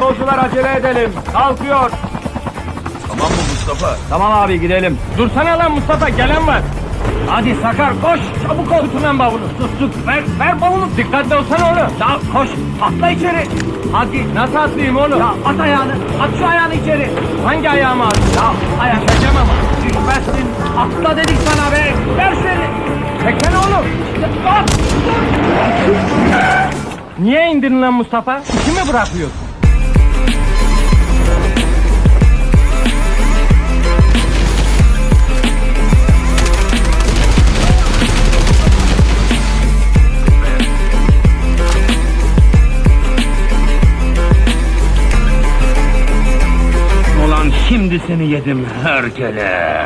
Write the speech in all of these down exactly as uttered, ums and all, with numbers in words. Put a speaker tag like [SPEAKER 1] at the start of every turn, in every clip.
[SPEAKER 1] Yolcular acele edelim. Kalkıyor.
[SPEAKER 2] Tamam mı Mustafa?
[SPEAKER 1] Tamam abi gidelim. Dursana lan Mustafa, gelen var. Hadi Sakar koş, çabuk ol. Tutun lan bavulu. Sus sus, ver, ver bavulu. Dikkatli olsana oğlum. Ya koş, atla içeri. Hadi, nasıl atlayayım oğlum? Ya at ayağını, at şu ayağını içeri. Hangi ayağımı at? Ya ayak çekeceğim ama. Düşmezsin, atla dedik sana be. Ver seni. Çekene oğlum. At, dur. Niye indirin lan Mustafa? İşimi bırakıyorsun?
[SPEAKER 2] Ulan şimdi seni yedim herkele.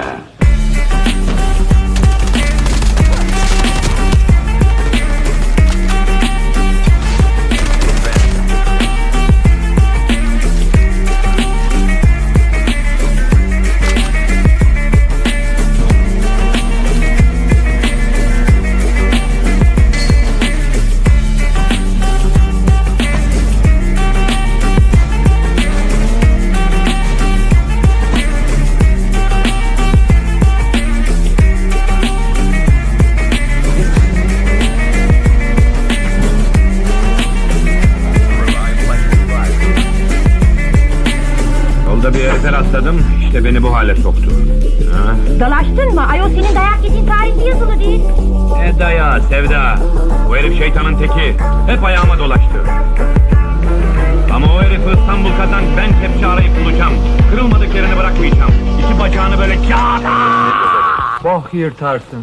[SPEAKER 2] Yolda bir herife rastladım, işte beni bu hale soktu. Ha?
[SPEAKER 3] Dalaştın mı? Ayol senin dayak yediğin tarihte yazılı değil.
[SPEAKER 2] Ne dayağı Sevda? Bu herif şeytanın teki. Hep ayağıma dolaştı. Ama o herifi İstanbul kazan, ben kepçe arayıp bulacağım. Kırılmadık yerini bırakmayacağım. İki bacağını böyle kağıda.
[SPEAKER 1] Boh yırtarsın.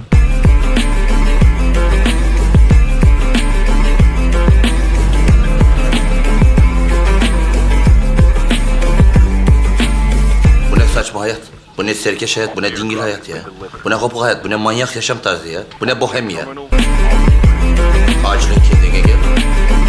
[SPEAKER 4] Bu ne saçma hayat? Bu ne serkeş hayat? Bu ne dingil hayat ya? Bu ne kopuk hayat? Bu ne manyak yaşam tarzı ya? Bu ne bohem ya? Acilen kendine gel.